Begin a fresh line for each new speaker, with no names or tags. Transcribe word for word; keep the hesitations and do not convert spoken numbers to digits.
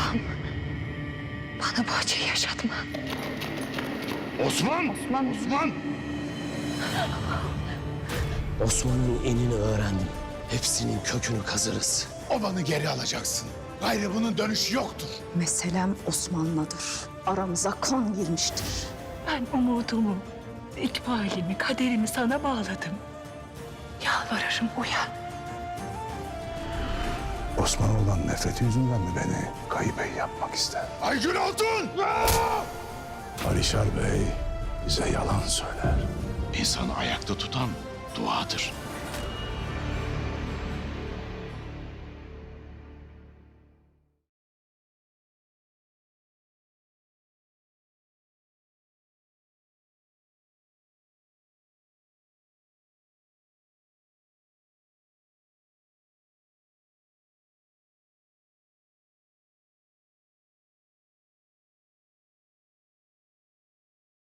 Allah'ım bana bu acıyı yaşatma.
Osman!
Osman!
Osman!
Osman'ın enini öğrendim. Hepsinin kökünü kazırız.
Obanı geri alacaksın. Gayrı bunun dönüşü yoktur.
Meselem Osman'ladır. Aramıza kan girmiştir.
Ben umudumu, ikbalimi, kaderimi sana bağladım. Yalvarırım uyan.
Osman'a olan nefreti yüzünden mi beni kaybey yapmak ister?
Aygün Altun!
Alişar Bey bize yalan söyler.
İnsanı ayakta tutan duadır.